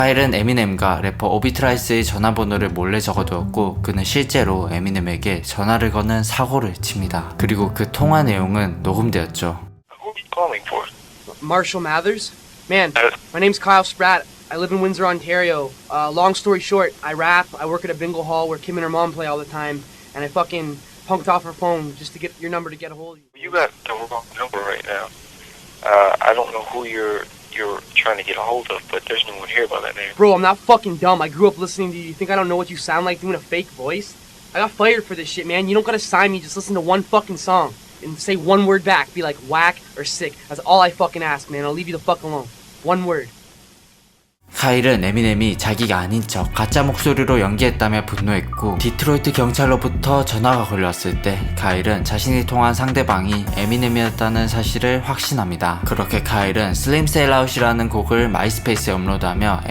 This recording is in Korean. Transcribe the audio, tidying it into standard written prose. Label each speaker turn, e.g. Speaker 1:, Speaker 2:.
Speaker 1: 카일은 에미넴과 래퍼 오비트라이스의 전화번호를 몰래 적어두었고 그는 실제로 에미넴에게 전화를 거는 사고를 칩니다. 그리고 그 통화 내용은 녹음되었죠.
Speaker 2: Who are you calling for?
Speaker 3: Marshall Mathers? Man, my name's Kyle Spratt. I live in Windsor, Ontario. Long story short, I rap, I work at a bingo hall where Kim and her mom play all the time, and I fucking punked off her phone just to get your number to get a hold of you.
Speaker 2: You got the wrong number right now. I don't know who you're trying to get a hold of, but there's no one here by that name.
Speaker 3: Bro, I'm not fucking dumb. I grew up listening to you. You think I don't know what you sound like doing a fake voice? I got fired for this shit, man. You don't gotta sign me, just listen to one fucking song and say one word back. Be like whack or sick. That's all I fucking ask, man. I'll leave you the fuck alone. One word.
Speaker 1: 카일은 에미넴이 자기가 아닌 척 가짜 목소리로 연기했다며 분노했고 디트로이트 경찰로부터 전화가 걸려왔을 때 카일은 자신이 통한 상대방이 에미넴이었다는 사실을 확신합니다. 그렇게 카일은 슬림 셀아웃이라는 곡을 마이스페이스에 업로드하며